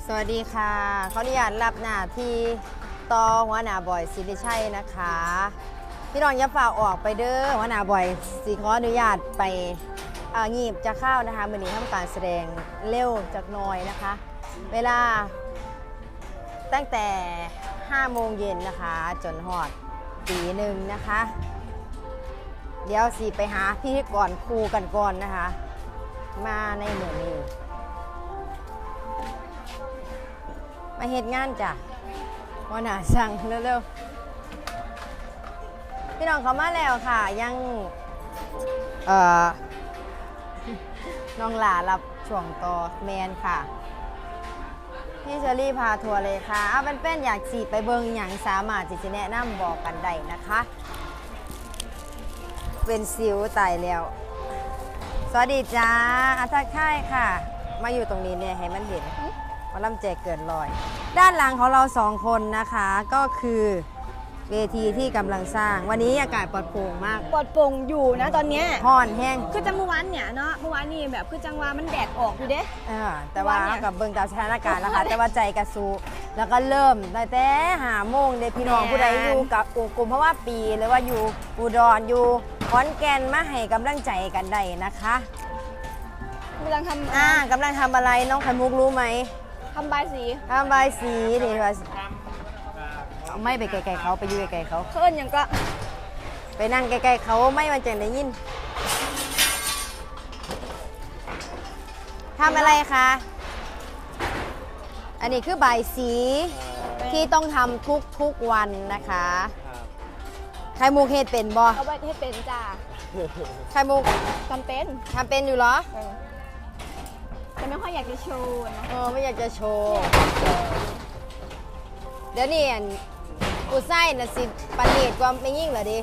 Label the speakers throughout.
Speaker 1: สวัสดีค่ะเขาอนุญาตรับหน้าที่ต่อหัวหน้าบอยศิริชัยนะคะพี่น้องอย่าฝ่าออกไปเด้อหัวหน้าบอยสิขออนุญาตไปงีบจะเข้านะคะมื้อนี้ทำการแสดงเร็วจากน้อยนะคะ เวลาตั้งแต่5 โมงเย็นนะคะจนหอดตีหนึ่งนะคะเดี๋ยวสิไปหาพี่ก่อนครูกันก่อนนะคะมาในเหมือนนี้มาเฮ็ดงานจ้ะวันหนาสั่งเร็วๆพี่น้องเขามาแล้วค่ะยังน้องหลารับช่วงต่อแมนค่ะพี่เชอรี่พาทัวร์เลยค่ะเอาเป็นอยากสีไปเบิงอย่างสามารถที่จะแนะนำบอกกันได้นะคะเป็นสิวตายแล้วสวัสดีจ้าอาทักทายค่ะมาอยู่ตรงนี้เนี่ยให้มันเห็นว่าลำแจกเกินลอยด้านหลังของเรา2 คนนะคะก็คือเวทีที่กำลังสร้างวันนี้อากาศปลอดโปร่งมาก
Speaker 2: ปลอดโปร่งอยู่นะตอนเนี้ย
Speaker 1: ห้อนแห้ง
Speaker 2: คือจังเมื่อวานเนี่ยเนาะเมื่อวานนี่แบบคือจังว่ามันแดดออกอยู่เด้
Speaker 1: แต่ว่ากับเบิ่งตามสถานการณ์นะคะแต่ว่าใจกระซูแล้วก็เริ่มแต่5 โมงเด็กพี่น้องผู้ใดอยู่กับกลุ่มเพราะว่าปีหรือว่าอยู่อุดรอยู่ขอนแก่นมาให้กำลังใจกันได้นะคะ
Speaker 2: กำลังทำ
Speaker 1: กำลังทำอะไรน้องไข่มุกรู้ไหม
Speaker 2: ทำใบสี
Speaker 1: นี่ว่าไม่ไปไกลๆเขาไปอยู่ไกลๆเขา
Speaker 2: เขินยังก็
Speaker 1: ไปนั่งไกลๆเขาไม่มันจะได้ยินทำอะไรคะอันนี้คือใบสีที่ต้องทำทุกวันนะคะไข่มุกเฮ็ดเป็นบ่
Speaker 2: เอาไว้ให้เป็นจ้า
Speaker 1: ไข่มุก
Speaker 2: ทำเป็น
Speaker 1: อยู่เหรอ
Speaker 2: แต่ไม่ค่อยอยากจะโชว์นะ
Speaker 1: ไม่อยากจะโชว์เดี๋ยวนี้กูไส้น่ะสิปนีดกว่าไม่ยิ่งเหรอดิ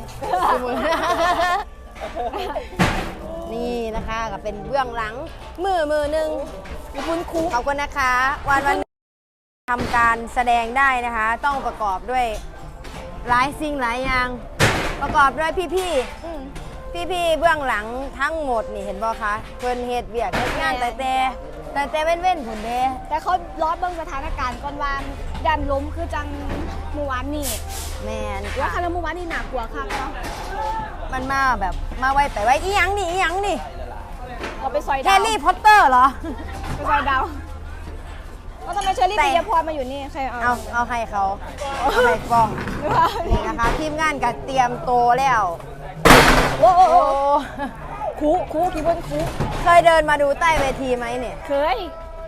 Speaker 1: นี่นะคะก็เป็นเบื้องหลังมือหนึ่งคุณครูขอบคุณนะคะวันทำการแสดงได้นะคะต้องประกอบด้วยหลายสิ่งหลายอย่างประกอบด้วยพี่เบื้องหลังทั้งหมดนี่เห็นบ่คะเพิ่นเฮ็ดเวียกเฮ็ดงานแต่เว้นผลเด้
Speaker 2: แต่เขาล้อเบิ่งสถานการณ์ก่อนวางดันล้มคือจังเมื่อวานนี่
Speaker 1: แมน
Speaker 2: ว่าคาราเมื่อวานนี่หนักกว่าค่ะเนาะ
Speaker 1: มันมาแบบมาไวไปไวอีหยังนี่
Speaker 2: เราไปซอยดาว
Speaker 1: แฮร์รี่พอตเตอร์เหรอ
Speaker 2: ไปซอยดาวก็ทำไมเชอรี่ปิยพรมาอยู่นี่ใคร
Speaker 1: เอาให้เขาเอาให้กล้องนี่นะคะทีมงานก็เตรียมโตแล้ว
Speaker 2: โอ้คูพี่เบิ้ลคู
Speaker 1: เคยเดินมาดูใต้เวทีไหมเนี่ย
Speaker 2: เคย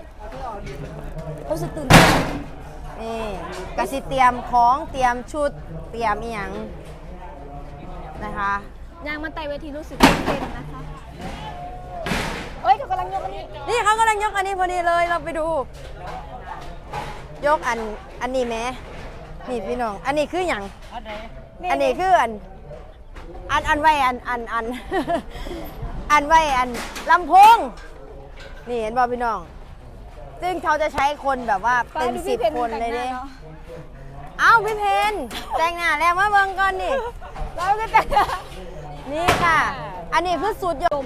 Speaker 2: รู้สึกตื่นเต้น
Speaker 1: นี่กสิเตรียมของเตรียมชุดเตรียมอีหยังนะคะ
Speaker 2: ยางมันไต่เวทีรู้สึกตื่นเต้นนะคะเขากำลังยกอันนี้
Speaker 1: นี่เขากำลังยกอันนี้พอดีเลยเราไปดูยกอันนี้แม่นี่พี่น้องอันนี้คืออย่างอันนี้คืออันไว้อันไว้ลำโพงนี่เห็นบ่พี่น้องซึ่งเขาจะใช้คนแบบว่าเป็น10 คนเลยดิเอ้าพี่เพนแต่งหน้าแล้วมาเบิ่งก่อนนี่
Speaker 2: เราก็แต่ง
Speaker 1: นี่ค่ะอันนี้คือสูตรยม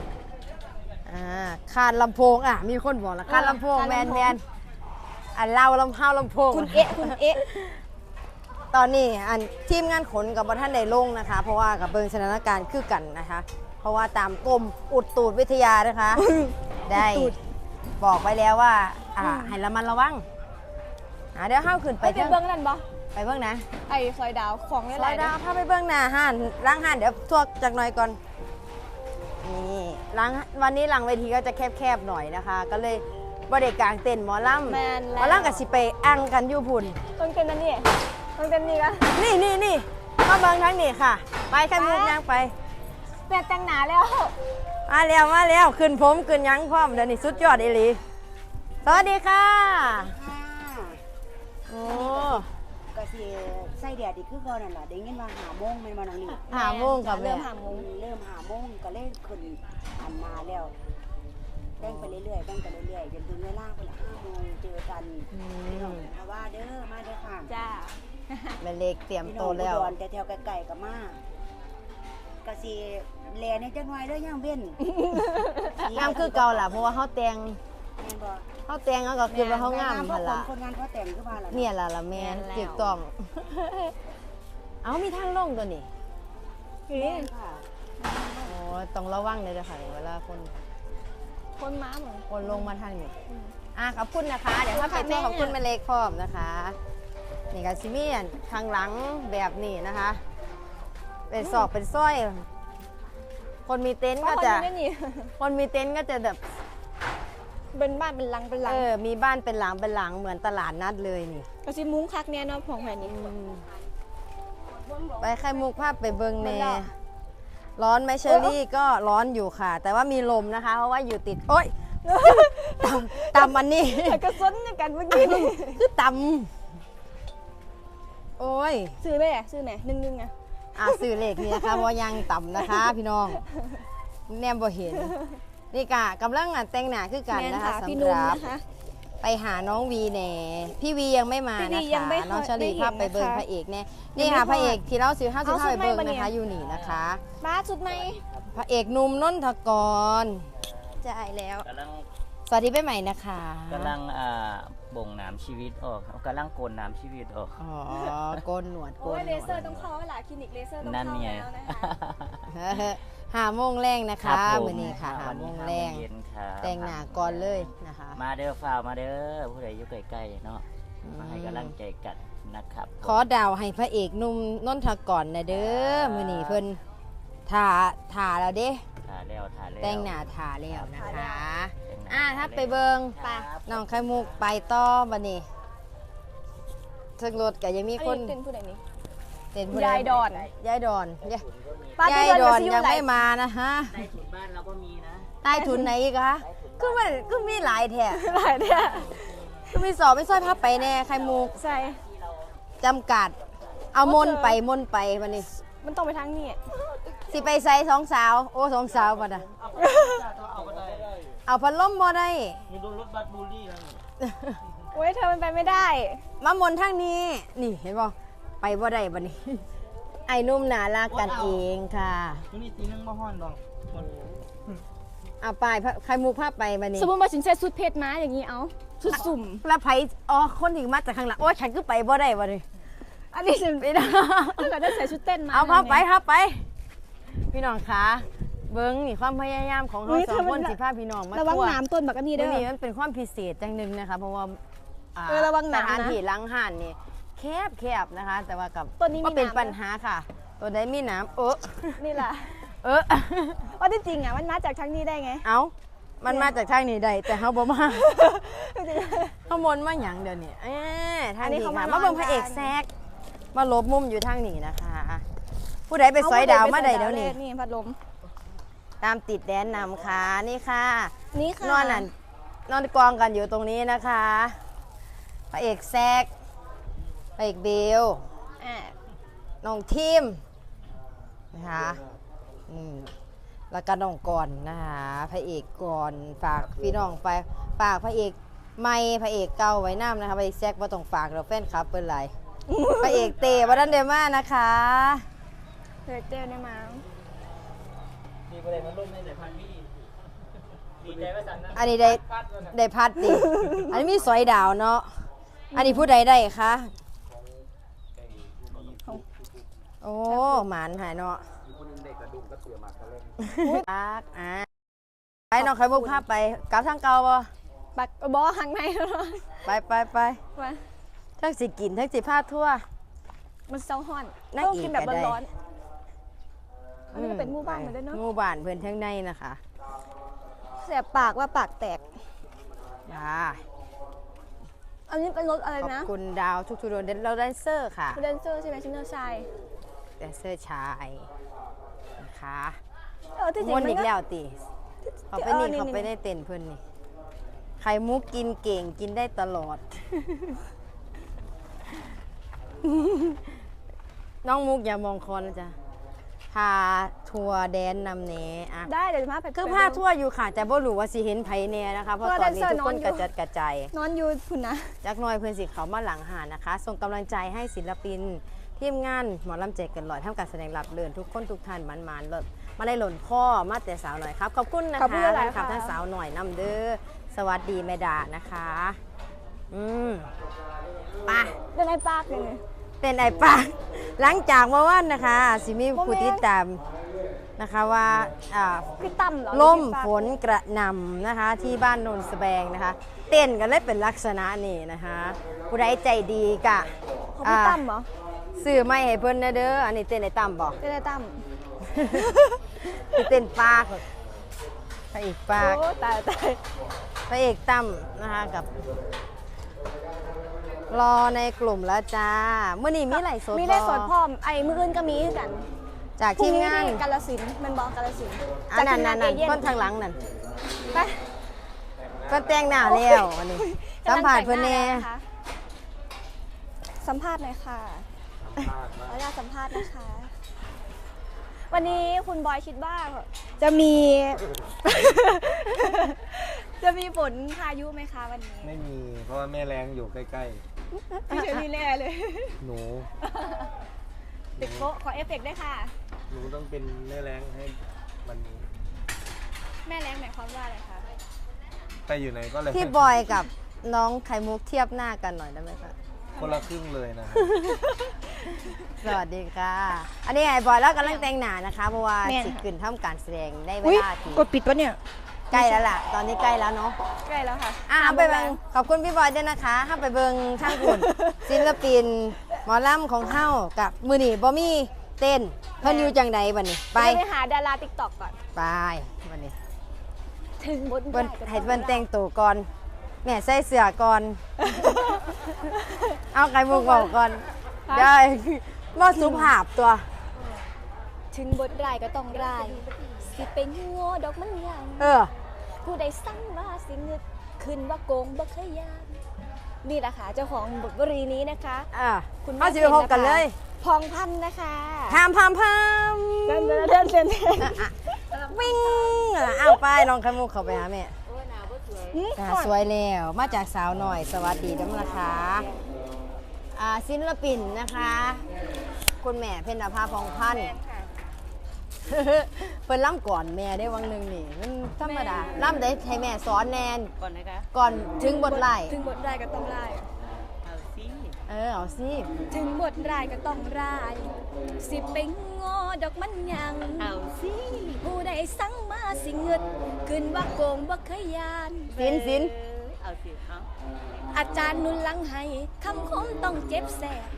Speaker 1: คานลำโพงมีคนบอกแล้วคานลำโพงแมนเราลำโพง
Speaker 2: คุณเอ๊ะ
Speaker 1: ตอนนี้ทีมงานขนกับท่านได้ลงนะคะเพราะว่ากับเบิ่งสถานการณ์คือกันนะคะเพราะว่าตามกรมอุตุวิทยานะคะได้บอกไว้แล้วว่าให้ระมัดระวังเดี๋ยวห้าวขึ้นไป
Speaker 2: เบื้องนั่นบ่
Speaker 1: ไปเบื้องนะ
Speaker 2: ไอ้ซอยดาวของ
Speaker 1: ซอยดาวถ้าไปเบื้องหน้าห้านล้างห้านเดี๋ยวทวกจากหน่อยก่อนนี่วันนี้หลังเวทีก็จะแคบๆหน่อยนะคะก็เลยบริการเต้นหมอลำกับสิไปอังกันอยู่พุ่น
Speaker 2: ต้องเต้นนั่นนี่ต้องเต้นนี่กัน
Speaker 1: นี่มาเบิ่งทั้งนี้ค่ะไปแค่มุกยังไป
Speaker 2: แม่แต่งหนาแล้ว
Speaker 1: มาแล้วขึ้นผมขึ้นยังพร้อมเดี๋ยวนี้สุดยอดอีหลีสวัสดีค่ะโอ้
Speaker 3: ก็สิใส่แดดอีกคือก่อนนั่นล่ะได้ยินว่า5 โมงแม่นบ่น้องนี่
Speaker 1: 5 โมงครับ
Speaker 2: เริ่ม
Speaker 3: 5 โมงก็เลยขึ้นอันมาแล้วแบ่งไปเรื่อยๆจนถึงเวลาพุ่นล่ะ5 โมงเจอกันเพราะว่าเด้อมาเด้อค่ะ
Speaker 2: จ้า
Speaker 1: แม่เล็กเตรียมโตแล้ว
Speaker 3: แต่แถวไกลๆก็มาก็สิแลในจังหน่อยเด้อย่างเว้น
Speaker 1: งามคือเก่าล่ะเพราะว่าเฮาแต่ง
Speaker 3: บ่
Speaker 1: เขาแต่งเขาก็คือว่าเขางาม
Speaker 3: เพ
Speaker 1: หั่
Speaker 3: ราะ
Speaker 1: นล่ะ
Speaker 3: คนงานเขาแต่งขึ้นมาแล้ว
Speaker 1: เนี่ยล่ะแม่นถูกต้อง เอามีทางลงตัวนี้
Speaker 3: แม่ค่ะ
Speaker 1: โอ้ต้องระวังเลยเด้อค่ะเวลาคน
Speaker 2: คนม้าเหมือน
Speaker 1: คนลงมาทางนี้ขอบคุณนะคะ เดี๋ยวถ้าไปตัวขอบคุณแม่เล็กพร้อมนะคะนี่ก็ซิเมียนข้างหลังแบบนี้นะคะ เป็นศอกเป็นสร้อย คนมีเต็นท์ก็จะ
Speaker 2: คนไม่นี่
Speaker 1: คนมีเต็นท์ก็จะแบบ
Speaker 2: เป็นบ้านเป็นหลังเป็นหลัง
Speaker 1: มีบ้านเป็นหลังเป็นหลังเหมือนตลาดนัดเลยนี่
Speaker 2: ก็สิมุ้งคักเนี่ยเนาะของแผ่นนี้
Speaker 1: ไปไข่มุกภาพไปเบิงเน
Speaker 2: มันร้อน
Speaker 1: ร้อนไหมเชอรี่ก็ร้อนอยู่ค่ะ แต่ว่ามีลมนะคะ เพราะว่าอยู่ติดโอ๊ย ต่ำอันนี้
Speaker 2: แต่ก็ซ้นในกันเมื่อกี้นี่
Speaker 1: คือต่ำโอ้ย
Speaker 2: ซื้อไหมอ่ะซื้อไหนนึ่งอ่ะ
Speaker 1: สื่อเลขนี่นะคะว่ายังต่ำนะคะ พี่น้องแนมบ่เห็นนี่กะกำลังแต่งหน้าคือกัน
Speaker 2: แม่น
Speaker 1: นะคะ
Speaker 2: พี่
Speaker 1: สำ
Speaker 2: นุ่
Speaker 1: ห
Speaker 2: ม
Speaker 1: รับ
Speaker 2: นะคะ
Speaker 1: ไปหาน้องวีแน่พี่วียังไม่มา
Speaker 2: พี่วี
Speaker 1: นะ
Speaker 2: ยัง
Speaker 1: คะ
Speaker 2: ไม่
Speaker 1: น้องเชอรี่
Speaker 2: ได้เห็น
Speaker 1: ภาพไปเบิง
Speaker 2: นะคะ
Speaker 1: พระเอกแน่นี่
Speaker 2: ยัง
Speaker 1: ค่ะ
Speaker 2: ไม่
Speaker 1: พระเอกที่เราซื้อห้าสิบ
Speaker 2: เอา
Speaker 1: ห้า
Speaker 2: ชุ
Speaker 1: ไป
Speaker 2: ด
Speaker 1: เบิง
Speaker 2: ไหนมาเนี่
Speaker 1: นะ
Speaker 2: ย
Speaker 1: คะอยู่นี่นะคะ
Speaker 2: บ้าสุดไหม
Speaker 1: พระเอกหนุ่มนนทกร
Speaker 2: จ่ายแล้ว
Speaker 4: กำลัง
Speaker 1: สวัสดีไปใหม่นะคะ
Speaker 4: บ่งน้ำชีวิตออกครับกำลังโกนน้ำชีวิตออก
Speaker 1: อ๋อโกนหนวดโก
Speaker 2: โอ้
Speaker 1: น
Speaker 2: ย
Speaker 1: หน
Speaker 2: เล
Speaker 1: วด
Speaker 2: เซอร์ต้องเข้าเวลาคลินิกเลเซอร์ต้อง
Speaker 4: นั่น
Speaker 2: เข้า
Speaker 4: ไง
Speaker 2: แล้วนะคะ
Speaker 1: 5 โมงแรงนะ
Speaker 4: ครั
Speaker 1: คะ
Speaker 4: บผม
Speaker 1: มื้อนี้ค่ะ
Speaker 4: วั
Speaker 1: 5 โม
Speaker 4: นี้
Speaker 1: ง
Speaker 4: 5
Speaker 1: แรง
Speaker 4: เย็นครับ
Speaker 1: แต่งหน้าก่อนเลยนะคะ
Speaker 4: มาเด้อฝ่าวมาเด้อผู้ใดอยู่ใกล้ๆเนาะมาให้กำลังใจกันนะครับ
Speaker 1: ขอดาวให้พระเอกหนุ่มนนทกรนะเด้อมื้อนี้เพิ่นถ่าแล้วเด้
Speaker 4: ถ่าแล้วถ่าแล้ว
Speaker 1: แต่งหน้าถ่าแล้วนะคะ
Speaker 4: แต่งหน้า
Speaker 1: ถ้าไปเบิง
Speaker 4: ครับ
Speaker 1: น้องไข่มุกไปต่อบัดนี้ถึงรถก็ยังมี
Speaker 2: อัน
Speaker 1: คน
Speaker 2: นี้เป็นผู้ใดนี่
Speaker 1: เต้นผู้ใด
Speaker 2: ยายดอน
Speaker 1: ยายดอน
Speaker 2: ป้าที่
Speaker 1: ยาย
Speaker 2: เดิน
Speaker 1: ดอ
Speaker 2: มาน ซิ่ว
Speaker 1: ยัง
Speaker 2: ไหล
Speaker 1: ไม่มานะฮะ
Speaker 4: ใต้ถุนบ้านเราก็มีนะ
Speaker 1: ใต้ทุนไหนอีกคะก็มีหลายแท้
Speaker 2: หลายเนี่ย
Speaker 1: ก็มีสอบไม่ซ้อยพับไปแน่ไข่มุก
Speaker 2: ใช่
Speaker 1: จำกัด เอามนต์ไปมนต์ไปบัดนี้
Speaker 2: มันต้องไปทางนี้
Speaker 1: สิไปใส่สองสาวโอ้สองสาวบัดน่ะเอาพัดลมบ่ได้
Speaker 4: มีรถบัสบูลลี่นะ
Speaker 2: โอ้ยเธอมันไปไม่ได้
Speaker 1: มามนต์ทางนี้นี่เห็นบ่ไปบ่ได้บัดนี้ ไอ้หนุ่มน่ารักกันเองค่ะ
Speaker 4: นี่ตีนึงมาห้อนดอก
Speaker 1: เอาไปไข่มุกภาพไปบัดนี้
Speaker 2: สมมติว่าฉันใส่ชุดเพชรมาอย่างนี้เอาชุดสุ่ม
Speaker 1: แล้วไผอ๋อคนถึงมาจากข้างหลังโอ้ยฉันก็ไปบ่ได้บัดนี้
Speaker 2: อันนี้ฉัน
Speaker 1: ไม่ได้
Speaker 2: ถ้าเกิดได้ใส่ชุดเต้นมา
Speaker 1: เอาภาพไป
Speaker 2: ไง
Speaker 1: ภาพไป พี่น้องคะเบิ้งนี่ความพยายามของเราสองคนสิพาพี่น้องมา
Speaker 2: ระวัง
Speaker 1: ทั่ว
Speaker 2: น้ำต้นแบบนี้
Speaker 1: เดี๋
Speaker 2: เด้
Speaker 1: ยว
Speaker 2: อ
Speaker 1: นี้มันเป็นความพิเศษจังหนึ่งนะคะ เพราะว่า
Speaker 2: ระวัง
Speaker 1: ส
Speaker 2: น้ำนะ
Speaker 1: ถานที่ล้างห่านนี่แคบนะคะ แต่ว่ากับ
Speaker 2: ต้นนี้มี
Speaker 1: ก็เป็น
Speaker 2: น้ำ
Speaker 1: ปัญหาค่ะ ตัวใดมีน้ำ
Speaker 2: นี่แหละ
Speaker 1: เออ
Speaker 2: ว่าที่จริงอ่ะมันมาจากทางนี้ได้ไง
Speaker 1: เอามันมาจากทางนี้ได้แต่เฮาบ่มาเฮามนต์มาหยังเดี๋ยวนี้ทางนี้ค่ะมาเบิ่งพระเอกแซกมาหลบมุมอยู่ทางนี้นะคะ ผู้ใดไปซอยดาวมาได้เดี๋ยวนี้
Speaker 2: นี่พัดลม
Speaker 1: ตามติดแดนนำค่ะนี่ค่ะ
Speaker 2: นี่ค่ะ
Speaker 1: นอนกองกันอยู่ตรงนี้นะคะพระเอกแซกพระเอกเบล
Speaker 2: อ่า
Speaker 1: น้องทีมนะคะแล้วก็น้องกรนะคะพระเอกกรฝากพี่น้องไปฝากพระเอกไม่พระเอกเก่าไว้น้ำนะคะพระเอกแซกว่าต้องฝากเราแฟนคลับเป็นไร พระเอกเตวัดันเดมานะคะ
Speaker 2: เฮ้ยเต้ได้มา
Speaker 4: มีประเด็นมันร่วมในสายพันธุ์พี่ดีใจว่าสันนะ
Speaker 1: อันนี้ได้พัดดิอันนี้มีสอยดาวเนาะอันนี้ผู้ใดได้คะโอ้หมานหายเนาะปักไปน้องไข่มุกภาพไปกลับทางเก่าบ่
Speaker 2: ปักบอหังในแล้ว
Speaker 1: ไป
Speaker 2: มา
Speaker 1: ทั้งสิกินทั้งสิพาทั่ว
Speaker 2: มันเซาฮ้อน
Speaker 1: นั่ง
Speaker 2: ต้อง
Speaker 1: อีก
Speaker 2: กินแบบ
Speaker 1: ก็ได้
Speaker 2: ร้อนๆอันนี้ก็เป็นหมู่บ้านเหมือนเดิมเนาะ
Speaker 1: หมู่บ้านเพื่อนทั้งในนะคะ
Speaker 2: แสบปากว่าปากแตก
Speaker 1: จ้า
Speaker 2: อันนี้เป็นรถอะไร
Speaker 1: ขอบ
Speaker 2: นะ
Speaker 1: คุณดาวทุกๆดวงเราแดนเซอร์ค่ะ
Speaker 2: แดนเซอร์ใช่ไหมชินเนอร์ชาย
Speaker 1: แดนเซอร์ชายนะคะ
Speaker 2: ที่จริง
Speaker 1: ม้วน
Speaker 2: มัน
Speaker 1: อีก
Speaker 2: ก็
Speaker 1: แล้วติเขาไปนี่เขาไปได้เต้นเพื่อนนี่ไข่มุกกินเก่งกินได้ตลอด น้องมุกอย่ามองคอนนะจ๊ะพาทัวร์แดนนำเนอะ
Speaker 2: ได้เดี๋ยวจะมาไป
Speaker 1: คือพาทัวร์อยู่ค่ะแต่บ่รู้ว่าสิเห็นไผแน่นะคะเพราะตอนนี้ทุกคนกระจัดกระจาย
Speaker 2: นอนอยู่พุ่นนะ
Speaker 1: จักหน้อยเพื่อนสิเขามาหลังหานะคะ ส่งกำลังใจให้ศิลปินทีมงานหมอลำแจกกันลอยทำการแสดงรับเลื่อนทุกคนทุกท่านมันๆเลิศมาได้หล่นข้อมาแต่สาวหน่อยครับขอบคุณนะคะ
Speaker 2: ขอบคุณหลายๆ
Speaker 1: ท่านขับ
Speaker 2: ค่ะ
Speaker 1: ท่านสาวหน่อยนำเด้อสวัสดีแม่ดานะคะไป
Speaker 2: เดินไอ้ปากเลยเนี่ย
Speaker 1: เต้นไอ้ปากหลังจากเมื่อวานนะคะสิมีผู้ติดตามนะคะว่า
Speaker 2: พี่ตั้มเหรอ
Speaker 1: ล่ม
Speaker 2: พี่ปาก
Speaker 1: ฝนกระหน่ำนะคะที่บ้านโนนสแบงนะคะ เต้นกันเลยเป็นลักษณะนี้นะคะผู้ใดใจดีกะ
Speaker 2: ของพี่ตั้มเหรอ
Speaker 1: ซื้อไม่ให้เพิ่นนะเด้ออันนี้เต้นไอ้ตั้มบอก
Speaker 2: เดินไอ้ตั้ม
Speaker 1: เต้นปากพระเอกปาก
Speaker 2: โอ้ตาย
Speaker 1: พระเอกตั้มนะคะกับ รอในกลุ่มแล้วจ้าเมื่อนี้มีไหลฟ์สด
Speaker 2: มีได้สด
Speaker 1: บ่
Speaker 2: พร้อมไอ้มื้ออื่นก็มีคือกัน
Speaker 1: จากทีมงาน
Speaker 2: กาฬสินธุ์แมันบอกกาฬสินธุ์
Speaker 1: อันนั้น
Speaker 2: จากทีมงา
Speaker 1: นั่น
Speaker 2: เอเย่น
Speaker 1: คนทางหลังนั่น
Speaker 2: ไป
Speaker 1: ก็แต่งหน้าแล้วอันนี้สัมผัสเพิ่นแน่
Speaker 2: สัมภาษณ์หน่อยค่ะขออนุญาตสัมภาษณ์นะคะ วันนี้คุณบอยคิดว่าจะมี จะมีฝนพายุไหมคะวันนี้
Speaker 5: ไม่มีเพราะว่าแม่แรงอยู่ใกล้
Speaker 2: พี่เชอรี่แน่เลย
Speaker 5: ๆ หนู
Speaker 2: ติดโป๊ะขอเอฟเฟกต์ด้วยค่ะ
Speaker 5: หนูต้องเป็นแม่แรงให้มันนี้
Speaker 2: แม่แรงหมายความว่าอะไรคะ
Speaker 5: ไปอยู่ไหนก็เลย
Speaker 1: พี่บอยกับน้องไข่มุกเทียบหน้ากันหน่อยได้ไหมคะ
Speaker 5: คนละครึ่งเลยนะครับ
Speaker 1: สวัสดีค่ะ อันนี้ไอ้บอยแล้วกำลังแต่งหน้านะคะเพราะว่า
Speaker 2: แม่น
Speaker 1: สิขึ้นทำการแสดงได้เว
Speaker 2: อุ๊ย
Speaker 1: ลาที่
Speaker 2: กดปิดปะเนี่ย
Speaker 1: ใกล้แล้วล่ะ ตอนนี้ใกล้แล้วเนาะ
Speaker 2: ใกล้แล้วค่ะ
Speaker 1: เอาไปเบิ่งขอบคุณพี่บอยด้วยนะคะห้าไปเบิ่งช่างหุ่น ศิลปินหมอลำของเฮากับมือนี่บ่มีเต้นเพิ่นอยู่จังใดบัดนี้ไป
Speaker 2: ไปหาดาราติ๊กต็อกก่อน
Speaker 1: ไปบัดนี้
Speaker 2: ถึงบน
Speaker 1: เพิ่นให้เพิ่นแต่งตัวก่อนแม่ใส่เสื้อก่อน เอาไข่มุกบอกก่อนได้บ่สุภาพตัว
Speaker 2: ถึงบทรายก็ต้องราย สิเป็นงัวดอกมันยัง
Speaker 1: เออ
Speaker 2: ผู้ใดสั่งว่าสิเงึดขึ้นว่าโกงบ่เคยยานนี่แหละค่ะเจ้าของบทวลีนี้นะคะ
Speaker 1: อ่ะ
Speaker 2: คุณแม่
Speaker 1: เอาสิไปพบกันเลย
Speaker 2: พองพันธุ์นะคะ
Speaker 1: พามพามพาม
Speaker 2: เดิน
Speaker 1: วิ่งเอาไปน้องไข่มุกเข้าไปหาแม่หน้าสวยแล้วมาจากสาวหน่อยสวัสดีด้วยนะคะศิลปินนะคะ คุณแม่เพ็ญนภาพองพันธ์ เพิ่นล่ำก่อนแม่ได้วังหนึ่งนี่มันธรรมดาล่ำได้ให้แม่สอนแนน
Speaker 4: ก่อนนะคะ
Speaker 1: ก่อนถึงบทไล่
Speaker 2: ถึงบทรายก็ต้องราย
Speaker 4: เอาสิ
Speaker 1: เอาสิ
Speaker 2: ถึงบทรายก็ต้องราย สิเป็นงอดอกมันยัง
Speaker 4: เอาสิ
Speaker 2: ผู้ใดสั่งมาสิเงึดขึ้นว่าโกงบ่เคยยาน
Speaker 1: สิน
Speaker 4: เอาสิเอา
Speaker 2: อาจารย์นุนหลังให้คำคมต้องเจ็บแสบ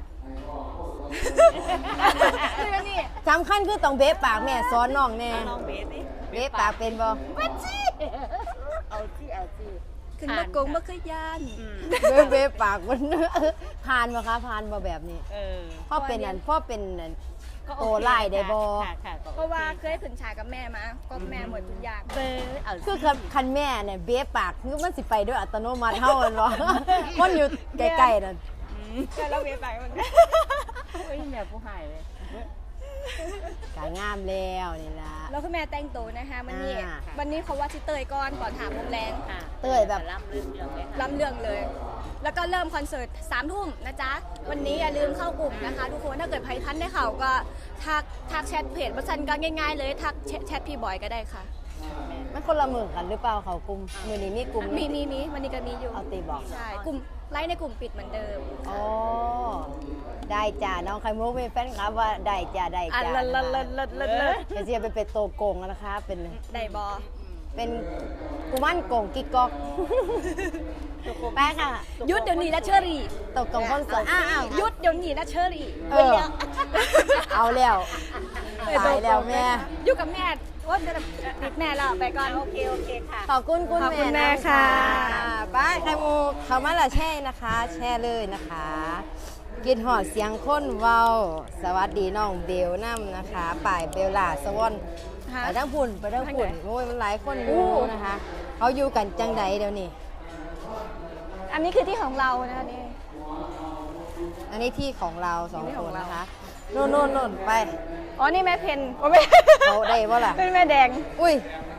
Speaker 2: นี่
Speaker 1: สำคัญคือต้องเบ๊ปากแม่สอนน้องแน่
Speaker 4: เอาลองเบสดิ
Speaker 1: เบ๊ปากเป็นบ่
Speaker 2: วัดจี
Speaker 4: เอาสิเอาสิ
Speaker 2: ขึ้นว่าโกงบ่เคยยาน
Speaker 1: เบ๊ปากมัน ผ่านบ่คะผ่านบ่แบบนี้
Speaker 4: เออ
Speaker 1: พ่อเป็นอันพ่อเป็นอัน
Speaker 4: ก็
Speaker 1: โตไล่ได้บ่
Speaker 4: ค่ะค่ะก็โอ
Speaker 2: เพราะว่าเคยขึ้นฉากกับแม่มาก็แม่หมดทุกอย่าง
Speaker 4: เบสเอาสิ
Speaker 1: คือคันแม่เนี่ยเบ๊ปากคือมันสิไปด้วยอัตโนมัติเฮามันบ่ มันอยู่ใกล้ๆนั่น
Speaker 2: แต่เราเวียนไปเหมือนกัน
Speaker 4: โอ้ยแม่ผู้หายเลย
Speaker 1: กางามแล้วนี่ล่ะ
Speaker 2: แล้วคุณแม่แต่งตัวนะคะวันนี้
Speaker 1: อ่า
Speaker 2: วันนี้เขาว่าชิเตยก่อนถามโมงแรง
Speaker 4: ค่ะ
Speaker 1: เต้ยแบบ
Speaker 4: ล่ำเรื่องเลยค่ะ
Speaker 2: ล้ำเรื่องเลย แล้วก็เริ่มคอนเสิร์ต3 ทุ่มนะจ๊ะ วันนี้อย่าลืมเข้ากลุ่มนะคะทุกคนถ้าเกิดใครทันได้ข่าวก็ทักแชทเพจบัสันก็ง่ายๆเลยทักแชทพี่บอยก็ได้ค่ะ
Speaker 1: มันคนละมือกันหรือเปล่าเขากลุ่มมือนี้มีกลุ่ม
Speaker 2: มีวันนี้ก็มีอยู่
Speaker 1: เอาตีบอก
Speaker 2: ใช่กลุ่มไลฟ์ในกลุ่มปิดเหมือนเดิม
Speaker 1: อ๋อได้จ้าน้องไข่มุกมีแฟนคลับว่าได้จ้าได้
Speaker 2: อ่ะ
Speaker 1: จ้า
Speaker 2: เลิศ
Speaker 1: จะเสียไปเป็นโตโกงแล้วนะคะ เป็น
Speaker 2: ได้บอ
Speaker 1: เป็นกุมันโกงกิ๊กก๊อกแป๊กค่ะ
Speaker 2: ยุดเดี๋ยวนี้นะเชอรี่
Speaker 1: ตกกงคนสวยอ้าว
Speaker 2: ยุดเดี๋ยวนี้นะเชอรี่
Speaker 1: เออเอาแล้วตายแล้วแม่
Speaker 2: อยู่กับแม่ว่าจะติดแม่แล้วไปก่อนโอเคค่ะ
Speaker 1: ขอบคุณคุณ
Speaker 2: ขอบคุณ
Speaker 1: แม่
Speaker 2: แม่
Speaker 1: นะ
Speaker 2: ค่ะ
Speaker 1: บ้ายไข่มุกเขามาละแช่นะคะ แช่เลยนะคะ กินหอดเสียงค้นเว้า สวัสดีน้องเบลน้ำนะคะป่ายเบลล่าสวอนไปทั้งพุ่นโอ้ยมันหลายคนอยู่นะคะ เขาอยู่กันจังใดเดี๋ยวนี้
Speaker 2: อันนี้คือที่ของเรานะคะนี่
Speaker 1: อันนี้ที่ของเราสอง
Speaker 2: ที่
Speaker 1: ค
Speaker 2: ของ
Speaker 1: น
Speaker 2: เรา
Speaker 1: นะคะนู่นไป
Speaker 2: อ๋อนี่แม่เพนโอ้แม่
Speaker 1: เขาได้บ่ล่ะ
Speaker 2: เป็นแม่แดง
Speaker 1: อุ้ย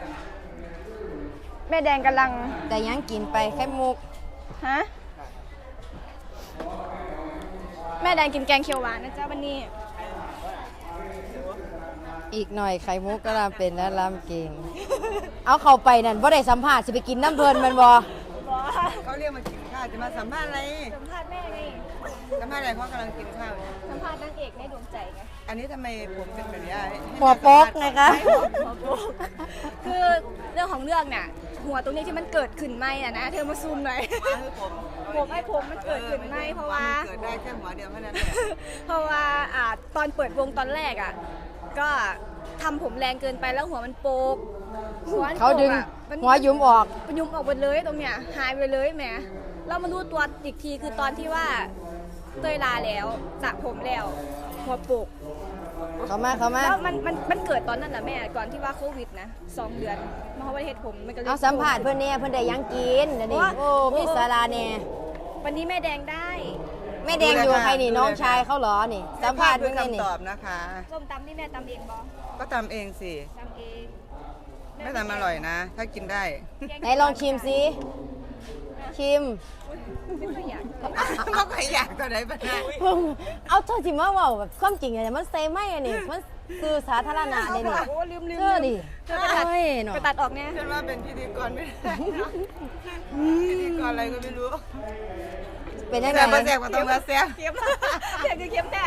Speaker 2: แม่แดงกำลัง
Speaker 1: แต่ยังกินไปไข่มุก
Speaker 2: ฮะแม่แดงกินแกงเขียวหวานนะจ๊ะวันนี้
Speaker 1: อีกหน่อยไข่มุกก็รำเป็นและรำเก่งเอาเข้าไปนั่นบ่ได้สัมภาษณ์สิไปกินน้ำเพลินแมันบ่
Speaker 3: เขาเรียกมากินข้าวจะมาสัมภาษณ์อะไร
Speaker 2: สัมภาษณ์แม่ไง
Speaker 3: สัมภาษณ์อะไรเพราะกำลังกินข้าวอยู่
Speaker 2: สัมภาษณ์นางเอกในดวงใจไง
Speaker 3: อันนี้ทำไมผมเป็นแบบนี้ให้
Speaker 1: หัวโป๊กไงคะ
Speaker 2: คือเรื่องของเรื่องเนี่ยหัวตรงนี้ที่มันเกิดขึ้นไหมอะนะเธอมาซูมหน่อย
Speaker 3: ให้ผม
Speaker 2: ผมมันเกิดขึ้นไหมเพราะว่า
Speaker 3: เกิดได้แค่หัวเดียวเท่านั้นแหละ
Speaker 2: เพราะว่าตอนเปิดวงตอนแรกอ่ะก็ทำผมแรงเกินไปแล้วหัวมันโปกหัวมันโปกอะ
Speaker 1: เขาดึง
Speaker 2: มัน
Speaker 1: หัวยุ้มออก
Speaker 2: มันยุมออกหมดเลยตรงเนี้ยหายไปเลยแหมเรามารู้ตัวอีกทีคือตอนที่ว่าเตยลาแล้วสระผมแล้วหัวโปก
Speaker 1: เข้ามา
Speaker 2: แล้วมันเกิดตอนนั้นแหละแม่ก่อนที่ว่าโควิดนะ2 เดือนมาเขาไปเฮ็ดผมมันก็เลย
Speaker 1: เอาสัมภาษณ์เพื่อนเนี่ยเพื่อนได้หยังกินเดี๋ยวนี้
Speaker 2: ว่า
Speaker 1: โอ้มีสาราเนี่ย
Speaker 2: วันนี้แม่แดงได้
Speaker 1: แม่แดงอยู่กับใครนี่น้องชายเขาเหรอนี่สัมภาษณ์
Speaker 3: ด้
Speaker 1: เพื่
Speaker 3: ว
Speaker 1: อย นนี่
Speaker 3: คำตอบนะคะ
Speaker 2: ส้มตำที่แม่ตำเองบอ
Speaker 3: ก็ทำเองสิ
Speaker 2: ตำเอง
Speaker 3: ไม่ทำอร่อยนะ ถ้ากินได้
Speaker 1: ไหนลองชิมสิชิม
Speaker 2: ไม่ค่อยอยาก
Speaker 3: เขาใครอยากตัวไหนบ้างนะ
Speaker 1: เอาเธอจิมาเว่าแบบความจริงอะมันเซไม่อะนี่มันคือสาธารณะเนี่ยนี่
Speaker 2: โอ้ลืม
Speaker 1: เธอดิ
Speaker 2: เธอไปตัด
Speaker 1: โอ้ยเนาะ
Speaker 2: ไปตัดออกเนี่ย
Speaker 3: ฉันว่าเป็นพิธีกรไม่ได้นะพิธีกรอะไรก็ไม่รู้
Speaker 1: เป็นยังไง
Speaker 3: แต่มาแซกมาต้องมาแซก
Speaker 2: เค็มเค็มคือเค็มแน่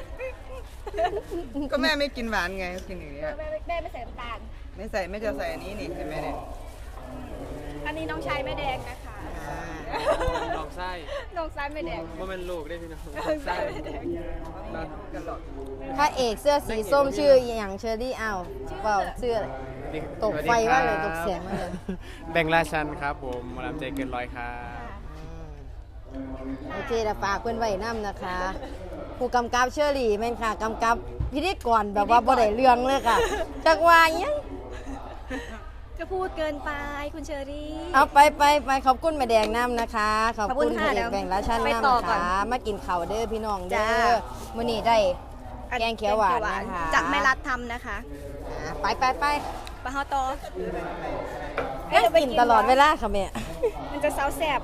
Speaker 3: ก็แม่ไม่กินหวานไงกินอย่างเงี้ย
Speaker 2: แม่ไม่ใส่น้ำตาล
Speaker 3: ไม่ใส่ไม่จะใส่อันนี้นี่ใช่ไหมเนี่ย
Speaker 2: อันนี้น้องชายแม่แดงนะคะ
Speaker 4: ลองไส้
Speaker 2: น้องซ้ายแม่แดง
Speaker 4: ว่ามันลูกได้พี่น้อง
Speaker 2: น้องซ้ายแม่แดง
Speaker 3: กันหรอก
Speaker 1: พระเอกเสื้อสีส้มชื่ออย่างเชอรี่อ้าวเปล่าชื่ออะไรตกไฟว่ากเลยตกเสียงมากเลย
Speaker 4: แบ่งราชันครับผมหมอลำใจเกินร้อยครับ
Speaker 1: โอเคแต่ฝากเพื่อนไว้น้ำนะคะ ผู้กำกับเชอรี่แม่นค่ะกำกับพิธีกรแบบว่าบ่ได้เรื่องเลยค่ะจักว่าหยัง
Speaker 2: ก็พูดเกินไปคุณเชอรี่
Speaker 1: เอาไปขอบคุณแม่แดงน้ำนะคะ ขอบคุณ
Speaker 2: ขอบคุณ
Speaker 1: พ
Speaker 2: ค่ะ
Speaker 1: ระเอกแบ่งราชัน
Speaker 2: ไป
Speaker 1: น้ำ
Speaker 2: ต่อ
Speaker 1: นะ
Speaker 2: ก่อน
Speaker 1: คะมากินข้าวเด้อพี่น้องเด้
Speaker 2: จ้า
Speaker 1: อมื้อนี้ได้แกงเขียวหวานนะคะ
Speaker 2: จากแม่รัดทำนะคะ
Speaker 1: ไป
Speaker 2: ปลาฮอตอ
Speaker 1: ให้กินตลอดเวลาค่ะแม่
Speaker 2: มันจะเซาแสบ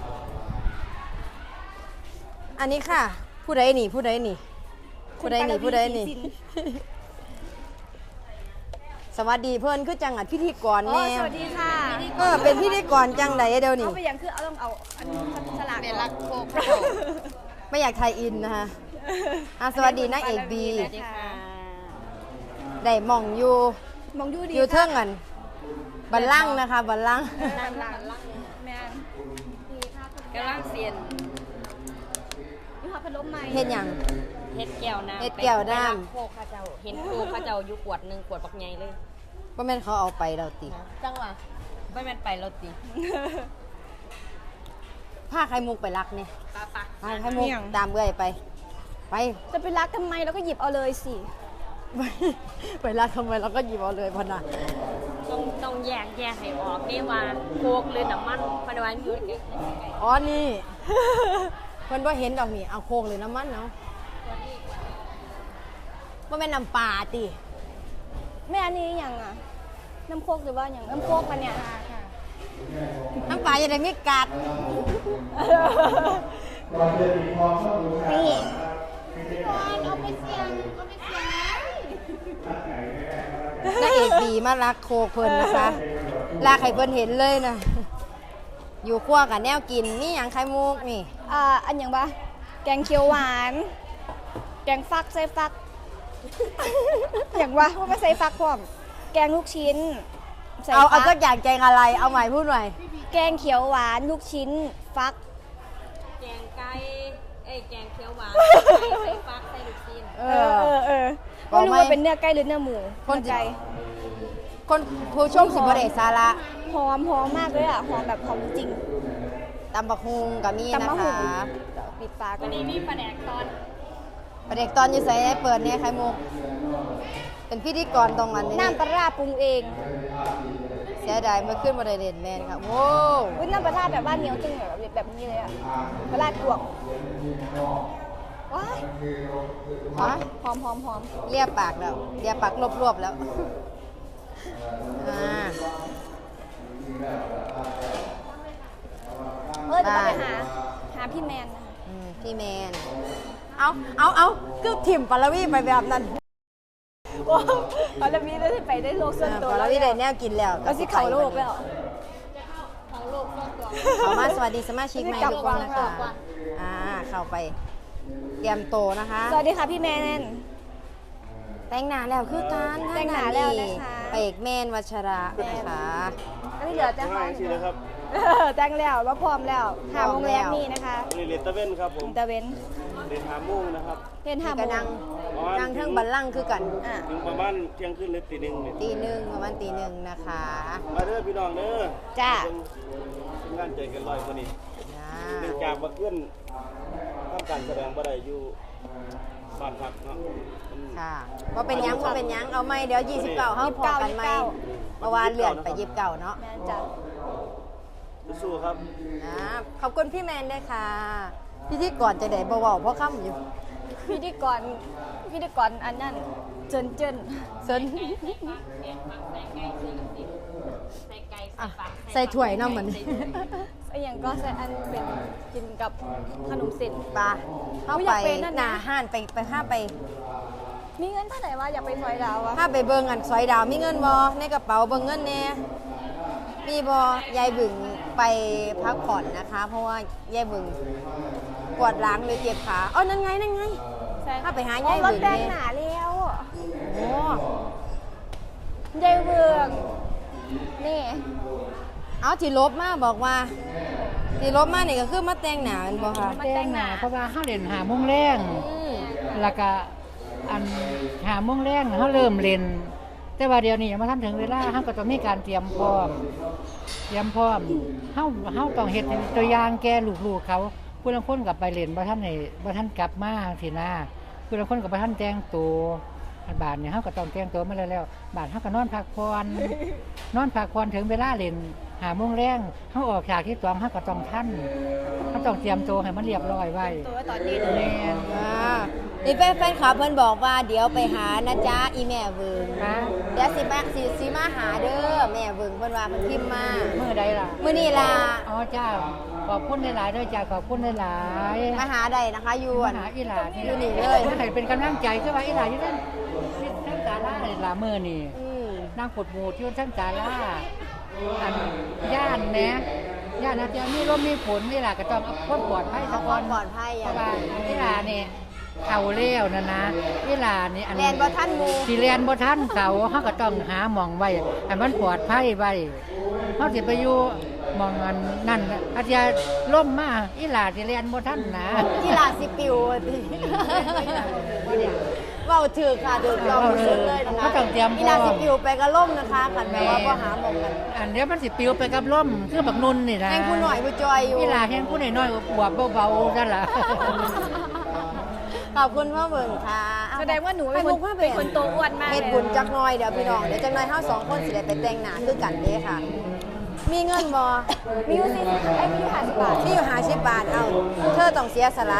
Speaker 1: อันนี้ค่ะ ผู้ใดนี่ผู้ใดนี่ผู้ใดนี่ผู้ใดนี่ สวัสดีเพื่อนคือจังอัดพิธีกร
Speaker 2: อ๋อ
Speaker 1: แน่
Speaker 2: สวัสดีค่ะ
Speaker 1: เป็นพิธีกรจังไดเดี๋ยวนี้
Speaker 2: เอาไปอย่างคือเอาต้องเอาอันสลากเป็นรักโคก
Speaker 1: ไม่อยากไทยอินนะคะสวัสดีนางเอกบี
Speaker 2: สวัสดีค่ะ
Speaker 1: ได้หมองอยู่
Speaker 2: มองยูดี
Speaker 1: อยู่เทิงกันบัลลังก์นะคะบัลลังก์
Speaker 2: นั่งหลังแม่ดีค่ะ
Speaker 6: กำลังเสียน
Speaker 2: นี่ค่ะพัดลมใหม่
Speaker 1: เฮ็ดหยัง
Speaker 6: เฮ็ดแก้วน้ำ
Speaker 1: เฮ็ดแก้วน้ำ
Speaker 6: ไปรับโคกข้าเจ้า เห็นโคกข้าเจ้าอยู่ขวดหนึ่งขวดปักใหญ่เลย
Speaker 1: บ่แม่นเขาเอาไปแล้วติ
Speaker 6: จังหวะไม่แม่นไปแล้วติ
Speaker 1: ผ้าไข่มุกไปรักเนี่ย
Speaker 6: ปะปะ
Speaker 1: ผ้าไข่มุกตามเอื้อยไป ไป
Speaker 2: จะไปรักทำไมแล้วก็หยิบเอาเลยสิ
Speaker 1: ไปรักทำไมเราก็หยิบเอาเลยพอนะ
Speaker 6: ต้องแยกให้ออกนี่ว่าโคกหรือน้ำมันพันวันอยู่ใกล้
Speaker 1: อ๋อนี่ เพิ่นบ่เห็นดอกนี่เอาโคกหรือน้ำมันเนาะบ่แม่นน้ำปลาติ
Speaker 2: แม่อันนี้อย่างอ่ะ น้ำโคกหรือว่าอย่างน้ำโคกปะเนี่ยค่ะ
Speaker 1: น้ำปลาจะได้มีกัด
Speaker 2: นี่
Speaker 1: นางเอกดีมารักโคกเพิ่นนะคะลากให้เพิ่นเห็นเลยนะ อยู่ครัวกับแนวกินนี่หยังไข่มุกนี่
Speaker 2: อันอย่างปะแกงเขียวหวาน แกงฟักใส่ฟัก อย่างวะว่าไม่ใส่ฟักพร้อม แกงลูกชิ้นใส่
Speaker 1: เอา
Speaker 2: ฟั
Speaker 1: สักอย่างแกงอะไร เอาใหม่พูดใหม่
Speaker 2: แกงเขียวหวานลูกชิ้นฟัก
Speaker 6: แกงไก่แกงเขียวหวานใส่ฟักใส่ลูกชิ้น
Speaker 2: ไม่รู้ว่าเป็นเนื้อไก่หรือเนื้อหมู
Speaker 1: คน
Speaker 2: เนื้อไก่
Speaker 1: คนผู้ชมสิบ่ได้สาระ
Speaker 2: หอมมากเลยอ่ะหอมแบบหอมจริง
Speaker 1: ตำบักฮุงกับมีนะ
Speaker 2: ตำมะ
Speaker 1: ค
Speaker 2: หุ่
Speaker 1: ะ
Speaker 2: ปิดปาก
Speaker 6: วันนี้มีปลาแดกตอน
Speaker 1: ประเด็กตอนอยู่ใส่เปิดเนี่ยไข่มุก เป็นพิธีกรตรงนั้นนี่
Speaker 2: น้ำปลาร้าปรุงเอง
Speaker 1: เสียดายเมื่อขึ้นมาได้เด่นแมนครับโว้ว
Speaker 2: อุ้ยน้ำปลาร้าแบบว่าเหนียวจริงแบบนี้เลยอ่ะปลาร้าตวกว้าย
Speaker 1: ฮะ
Speaker 2: หอม
Speaker 1: เรียบปากแล้วเรียบปากรวบๆแล้วอ่า
Speaker 2: เดี๋ยวเราไปหาพี่แมนนะคะ
Speaker 1: พี่แมน เอาคือถิ่มปาลวีไปแบบนั้น
Speaker 2: ว้าวเอาละมีได้ไปได้โลกส่วนตัว
Speaker 1: แล้วพี่ได้แนวกินแล้ว
Speaker 2: เราสิเข้าโลกแล้ว
Speaker 1: เข้ามาสวัสดีสมาชิกใหม่ทุกคนนะคะเข้าไปเตรียมโตวนะคะ
Speaker 2: สวัสดีค่ะพี่แมน
Speaker 1: แต่งหน้าแล้วคือการ
Speaker 2: แต่งหน้าแล้วนะคะ
Speaker 1: ไปเอกแมนวัชระนะคะ
Speaker 2: ก็ที่เหลือจะ
Speaker 7: ง่ายสินะครับ
Speaker 2: แต่งแล้วว่าพร้อมแล้วหาโมงแรกนี่นะคะ
Speaker 7: นี่เรียนตะเว้นครับผม
Speaker 2: ตะเวน
Speaker 7: เรียนหาโมุ่งนะครับ
Speaker 2: เห็นหาโม
Speaker 1: ก็
Speaker 2: ง
Speaker 1: นั่งเทิงบัลลังก์คือกัน
Speaker 2: อ่ะ
Speaker 7: ถึงประมาณเที่ยงคืนหรือตีหนึ่งเนี่ย
Speaker 1: ตีหนึ่งประมาณตีหนึ่งนะคะ
Speaker 7: มาเด้อพี่น้องเด้อ
Speaker 2: จ้า
Speaker 7: เป็นงานใจกันลอยคนนี้
Speaker 1: อ่า
Speaker 7: เนื่องจากมาขึ้นทำการแสดงบ่ได้อยู่บ้านพักเนาะมัน
Speaker 1: ค่ะว่าเป็นหยังว่าเป็นหยังเอาไหมเดี๋ยว29เขาพอกันไหมเมื่อวานเลื่อนไป29เนาะ
Speaker 2: แมนจ้า
Speaker 7: สู้ๆครับ
Speaker 1: ขอบคุณพี่แมนด้วยค่ะพี่ที่ก่อนจะได้เบาๆเพราะค่ำอยู่
Speaker 2: พิธีกรอันนั้นเจิน
Speaker 1: เซิน
Speaker 6: ใส่ไก่
Speaker 1: อ่ะ
Speaker 6: ใส่ปลา
Speaker 1: ใส่ถ้วยเนาะเหมือน
Speaker 2: ไอ้อย่างก็ใส่อันเป็นกินกับขนมเส้น
Speaker 1: ปลาเข้า
Speaker 2: อุ๊ยอ
Speaker 1: ไป
Speaker 2: ยากเป็นนั่นนะ
Speaker 1: หน้าห้านไปห้าไป
Speaker 2: มีเงินเท่าไหร่วะอยากไปซอยดาววะ
Speaker 1: ห้าไปเบิ่งอันซอยดาวมีเงินบ่ในกระเป๋าเบิ่งเงินแน่มีบ่ยายบึงไปพักผ่อนนะคะ เพราะว่ายายบึงปวดหลังเลยเจ็บขาอ๋อนั่นไงถ้าไปหายาย
Speaker 2: ร
Speaker 1: บึ
Speaker 2: ถ
Speaker 1: ง
Speaker 2: แต่ง
Speaker 1: นี่
Speaker 2: หนาแล้ว
Speaker 1: โอ้
Speaker 2: ยายเบืองนี่
Speaker 1: เอาที่ลบมาบอกว่าที่ลบมานี่ก็คือมาแต่งหน้าแม่นบ่คะ
Speaker 8: แต่งหน้าเพราะว่าเฮาเล่นหาโมงแรง
Speaker 1: อืม
Speaker 8: แล้วก็อันหาโมงแรงเฮาเริ่มเล่น แต่ว่าเดี๋ยวนี้ยังบ่ทันถึงเวลาเฮาก็ต้องมีการเตรียมพร้อมเฮาต้องเฮ็ดตัวอย่างแก่ลูกๆเขาผู้ลางคนก็ไปเล่นบ่ทันกลับมาสินะผู้ลางคนก็บ่ทันแต่งตัวบาดนี้เฮาก็ต้องแต่งตัวมาแล้วบาดเฮาก็นอนพักผ่อนถึงเวลาเล่นหาโมงแรงเฮาออกฉากที่2เฮาก็ต้องทันเฮาต้องเตรียมตัวให้มันเรียบร้อยไว้
Speaker 2: ตัวตอนนี้เลย
Speaker 8: แม่น
Speaker 1: นี่แฟนคลับเพิ่นบอกว่าเดี๋ยวไปหานะจ๊ะอีแม่เวิง
Speaker 8: ค่ะ
Speaker 1: เดี๋ยวสิมาหาเด้อแม่เวิงเพิ่นว่าเพิ่นพิมพ์มา
Speaker 8: มื้อใดล่ะ
Speaker 1: มื้อนี้ล่ะ
Speaker 8: อ๋อจ้าขอบคุณหลายๆด้วยจ้าขอบคุณหลายๆ
Speaker 1: มาหาได้นะคะอยู่
Speaker 8: มา
Speaker 1: อั่น
Speaker 8: หาอีหลา
Speaker 1: อยู่นี่เลย
Speaker 8: ให้เป็นกำลังใจคือว่าอีหลาอยู่ทั้งศาลาอีหลามื้อนี่
Speaker 1: อืม
Speaker 8: นั่งปวดหมูที่ทั้งศาลาอันย่านแหนะย่านนะจะมีลมมีฝนอีหลาก็ต้องเอาความปลอดภัย
Speaker 1: ขอ
Speaker 8: ซะ
Speaker 1: ค
Speaker 8: ก่อ
Speaker 1: วาน มปลอดภัยอ
Speaker 8: เพ
Speaker 1: ย่าง
Speaker 8: ราะว่าอีหลานี่เขาเลี้ยวนะอีหลานี่อัน
Speaker 1: แลนบ่ทันหมู่
Speaker 8: สิเรียนบ่ทันเขาเฮาก็ต้องหาหม่องไว้ให้มันปลอดภัยไว้เฮาสิไปอยู่หม่องอันนั่นอาจจะล่มมาอีหลาสิเรียนบ่ทันนะ
Speaker 1: กีฬาสิปิวติเว้าถูกค่ะถูกต้องสุดเลยนะคะ
Speaker 8: เขาต้องเตรียมพร้อม
Speaker 1: กีฬาสิปิวไปก็ล่มนะคะคันแปลว่าบ่หาหมองกัน
Speaker 8: อันเดี๋ยวมันสิปลิวไปกับลมคือบักนุ่นนี่นะ
Speaker 1: แห่งผู้หน่อยผู้จอยอยู่
Speaker 8: อีหลาแห่งผู้น้อยๆอวบๆเบาๆนั่นล่ะ
Speaker 1: ขอบคุณพ่อเบิ่งค่ะ
Speaker 2: แสดงว่าหนูเป็นคนโตอ้วนมาก
Speaker 1: เฮ็ด
Speaker 2: เลย
Speaker 1: บุญจักหน่อยเดี๋ยวพี่น้องเดี๋ยวจักหน่อยเฮา2คนสิได้ไปแต่งหน้าคือกันเด้ค่ะ มีเงินบ่
Speaker 2: มีอยู่สิไอ้มีอยู่50 บาท
Speaker 1: ที่อยู่50 บาทเอาเธอต้องเสียสละ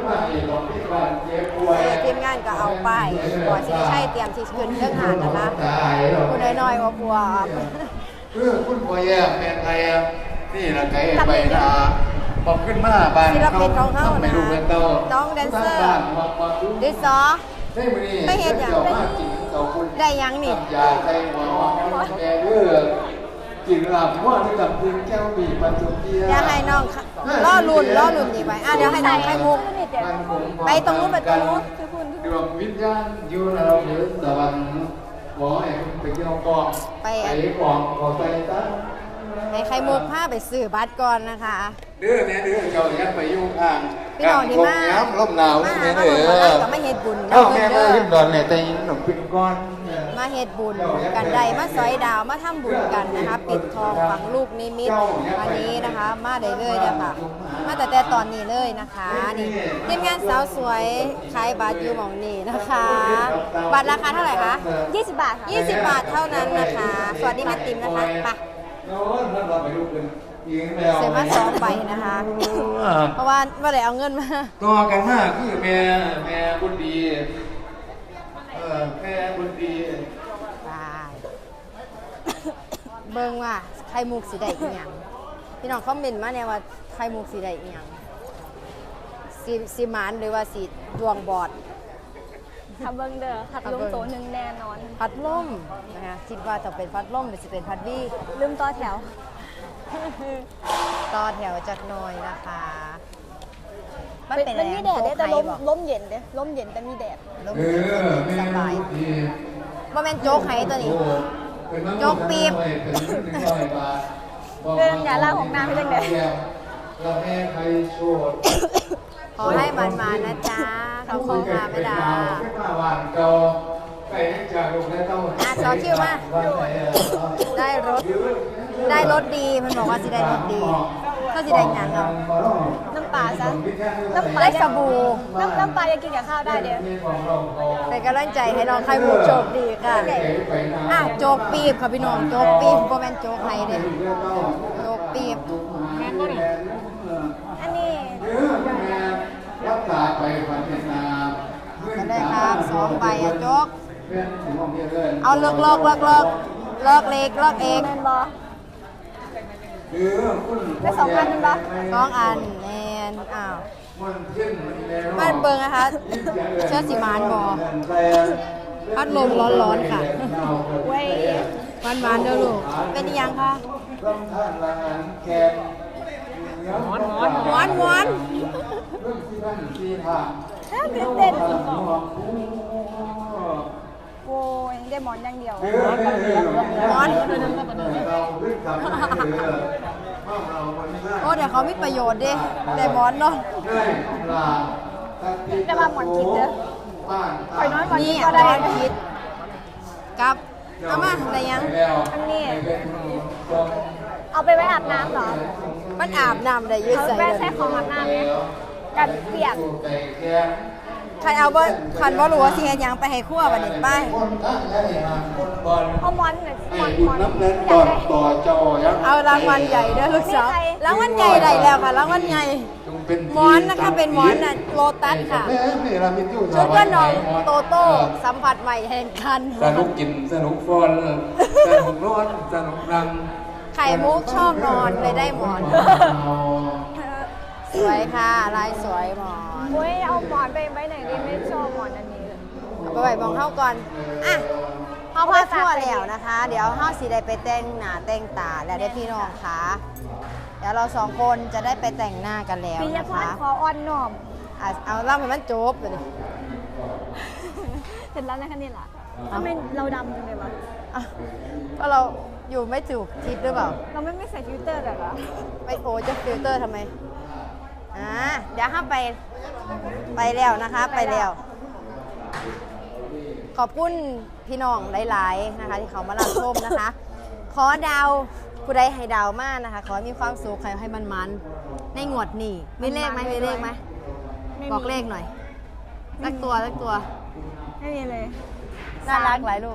Speaker 1: ทีมงานก็เอาไปบ่สิได้ใช้เตรียมที่ขึ้นเครื่องหานนะคะผู้น้อยๆว่าปัว
Speaker 9: คุณพ่อแย่แม่ไทยนี่นะไก่ไปนะบอกขึ้นมาบ้าน
Speaker 1: ศิลปินของเขา
Speaker 9: ไม่
Speaker 1: นะ
Speaker 9: รู้เงินเต้า
Speaker 1: น้องแดนเซอร์
Speaker 9: บ้านมาดู
Speaker 1: ดิซอ
Speaker 9: ได้มื้อนี้
Speaker 1: ไม่เห็นอย่าง
Speaker 9: จ้ากินเขาคุณ
Speaker 1: ได้ยังนี่
Speaker 9: ยาใจหัวแม่เด้อกินหลับว่าที่กับพื้นแก้วบีปัจจุบัน
Speaker 1: เดี๋ยวให้น้องล่อลุ่นนี่ไปเดี๋ยวให้น้องไข่มุก ไปตรงนู้นไปตรงนู้น
Speaker 9: ดวงวิญญาณอยู่ในเราเดือดตะวันหมอให้ไปเกี่ยวกอง
Speaker 1: ไป
Speaker 9: กองขอไปตั้ง
Speaker 1: ให้ไข่มุกพาไปซื้อบัตรก่อนนะคะ
Speaker 9: เด้อแม่เด้อเจ้าอย่าไปยุ่งอ่าง
Speaker 1: พี่น้องที่มา
Speaker 9: ย้ำลมหนาวนี่แม่
Speaker 1: มา
Speaker 9: เด้
Speaker 1: มา
Speaker 9: อ
Speaker 1: ก็มาเฮ็ดบุญ
Speaker 9: เอ้า
Speaker 1: เด้
Speaker 9: แม่
Speaker 1: อ
Speaker 9: มาขึ้นดอนเนี่ยแต่ยินขนมปิ้งก้อน
Speaker 1: มาเฮ็ดบุญกันใดมาซอยดาวมาทำบุญกันนะคะ ปิดทองฝังลูกนิมิตวันนี้นะคะ มาได้เลยเด้อค่ะ มาแต่ตอนนี้เลยนะคะนี่ทีมงานสาวสวยขายบัตรอยู่หม่องนี้นะคะ บัตรราคาเท่าไหร่คะ
Speaker 2: 20 บาทค่ะ
Speaker 1: 20 บาทเท่านั้นนะคะ สวัสดีแม่ติ๋มนะคะไป
Speaker 9: โน้นเราไปดูกันยิงแมว
Speaker 1: เสียมา2ใบนะคะ เพราะว่าไม่ได้เอาเงินมา
Speaker 9: ต่อกันมากคือแม่บุญดีแม่บุญดี
Speaker 1: บาย เบิ่งว่าไข่มุกสีได้อีหยังพี่น้องคอมเมนต์มาแน่ว่าไข่มุกสีได้อีหยังสีหมานหรือว่าสีดวงบอด
Speaker 2: ทำเบิ้งเด้อพัดลมโตหนึ่งแน่นอน
Speaker 1: พัดลมนะคะคิดว่าจะเป็นพัดลมหรือจะเป็นพัดวี่
Speaker 2: ลืมต่อแถว
Speaker 1: ต่อแถวจักหน่อยนะคะมัน
Speaker 2: เป็
Speaker 1: เป็น
Speaker 2: นมีแดดได้แต่
Speaker 1: โจ๊กไข่บ่
Speaker 2: ลมเย็นเด้ลมเย็นแต่มีแดด
Speaker 1: ลม
Speaker 9: เออแม่
Speaker 1: สบาย
Speaker 9: ดี
Speaker 1: ว่าแม่นโจ๊กไข่ตัวนี้ โจ๊กปี๊บ
Speaker 2: เดินอย่าล่าของน้ำให้จังได๋
Speaker 9: เราแม่ใครโชด
Speaker 1: ขอให้มันมานะจ๊ะเขาคงมาไม่ได้
Speaker 9: ไม่มาหวานเก่าไปจากลูกและเต้า
Speaker 1: อ่ะสอคิวมา ได้รถดีมันบอกว่าสิได้รถดีถ้าสิได้หยังเอา
Speaker 2: น้ำปลาซะน้ำปลา
Speaker 1: ได้สบู่
Speaker 2: น้ำปลายังกินกับข้าวได้เด้อ
Speaker 1: เป็นกำลังใจให้น้องไข่มุกโชคดีค่ะอ่ะโจ๊กปีบค่ะพี่น้องโจ๊กปีบบ่แม่นโจ๊กไข่เด้โจ๊กปีบ
Speaker 2: อันนี้
Speaker 9: รักษาไปพันธุ์นา
Speaker 1: ก็ได้ครับ2 ใบอ่ะโจ๊ก
Speaker 9: เป็นของเยอะเลย
Speaker 1: เอาเลิกเล็กเอง
Speaker 2: แม่นบ่
Speaker 9: คือคุณ
Speaker 2: ได้2 อันแม่นบ่
Speaker 1: 2 อันแน่นอ้าว
Speaker 9: มันขึ้นแล้ว
Speaker 1: บ้านเบิงนะคะเชื้อสีมานบ่พัดลมร้อนๆค่ะ
Speaker 2: เว้ย
Speaker 1: หวานๆเด้อลูกเป็นอีหยังคะ
Speaker 9: ลำธารลานแกน
Speaker 1: หวาน
Speaker 9: เรื่องที่บ้านที่ทาง
Speaker 2: ตื่นเต้นโอ้ยได้หมอนอย่างเดียว
Speaker 9: เราขึ้นกับเราคนนี้
Speaker 1: โอ้เดี๋ยวเขามีประโยชน์ดิแต่หมอนเนาะ
Speaker 9: ได้ลา
Speaker 2: แต่ว่าหมอนคิดเด้อ
Speaker 9: บ้าน
Speaker 2: ข่อยน้อยหมอน
Speaker 1: นี่
Speaker 2: คิด
Speaker 1: ห
Speaker 2: ก็
Speaker 1: ม
Speaker 2: ได้
Speaker 1: อนคิดกับเอามาอะไรยัง
Speaker 2: อันนี้เอาไปไว้อาบน้ำเหรอ
Speaker 1: มันอาบน้ำได้อยืด
Speaker 2: เขา
Speaker 1: ใส่
Speaker 2: แม่
Speaker 1: เลย
Speaker 2: ใช้ของอาบน้ำไหมกันเปียก
Speaker 1: ใครเอาบ่คันบ่รู้ว่าสิเฮ็ดหยังไปให้ครัวบัดนี้ไป
Speaker 2: เอาหมอนหน่อยหมอน
Speaker 9: บุญน้ำเล่นตอนต่อจอยัง
Speaker 1: เอารางวัลใหญ่เด้อลูกสาวรางวัลใหญ่ได้แล้วค่ะรางวัลใหญ่หมอนนะคะเป็นหมอนน่ะโลตัสค่ะชุดก็น้องโตโต้สัมผัสใหม่แห่งคัน
Speaker 9: สนุกกินสนุกฟอนสนุกนอนสนุกรัง
Speaker 1: ไข่มุกชอบนอนเลยได้หมอน สวยค่ะลายสวยหมอน
Speaker 2: โอ้ยเอาหมอนไปไว้ไหนดีไม่ชอบหมอนอันนี้
Speaker 1: เอาไปไว้มองเข้าก่อนอ่ะเขาพาทั่วแล้วนะคะ เดี๋ยวเฮาสิได้ไปแต่งหน้าแต่งตาแล้วได้พี่น้องค่ะเดี๋ยวเรา2 คนจะได้ไปแต่งหน้ากันแล้ว
Speaker 2: ปิย
Speaker 1: นะ
Speaker 2: พร
Speaker 1: คะ
Speaker 2: ขออ่อนหน่อม
Speaker 1: อ่ะเอาเล่าให้มันจบเลย
Speaker 2: เสร็จแล้วนะคะนี่ล่ะทำไมเราดำจังเลยวะ
Speaker 1: อ่ะก็เราอยู่ไม่ถูกทิศหรือเปล่า
Speaker 2: เราไม่ใส่ฟิลเตอร์แบบวะ
Speaker 1: ไปโอจะฟิลเตอร์ทำไมเดี๋ยวห้ามไปแล้วนะคะ ไปแล้ว ขอบคุณพี่น้องหลายๆนะคะ ที่เขามารับชมนะคะ ขอดาวผู้ใดให้ดาวมากนะคะ ขอให้มีความสุขใครให้มันในงวดนี้มีเลขไหมมีเลขไหมบอกเลขหน่อยสักตัว
Speaker 2: ไม่มีเลย
Speaker 1: น่ารักหลายลูก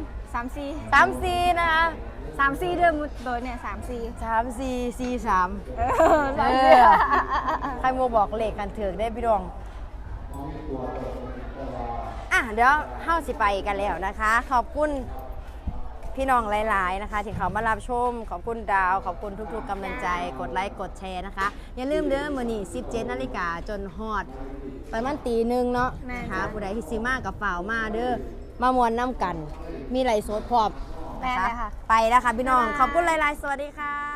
Speaker 1: 3-4 นะคะ
Speaker 2: 3-4เดือนมุดโดยเนี่ย3-4
Speaker 1: 3-4-4-3
Speaker 2: เออ
Speaker 1: เออใครโมบอกเลขกันถือได้พี่ดองเดี๋ยวเฮ้าสิไปกันแล้วนะคะ ขอบคุณพี่น้องหลายๆนะคะ ที่เขามารับชมขอบคุณดาวขอบคุณทุกๆกำลังใจกดไลค์กดแชร์นะคะ อย่าลืมเด้อมื้อนี้17 นาฬิกาจนฮอดประมาณตี 1เนาะนะคะผู้ใดที่สิมากับฝ่าวมาเด้อมามวนน้ำกัน มีไหลฟ์สดพร้อมนะคะไปแล้วค่ะพี่น้องขอบคุณหลายๆสวัสดีค่ะ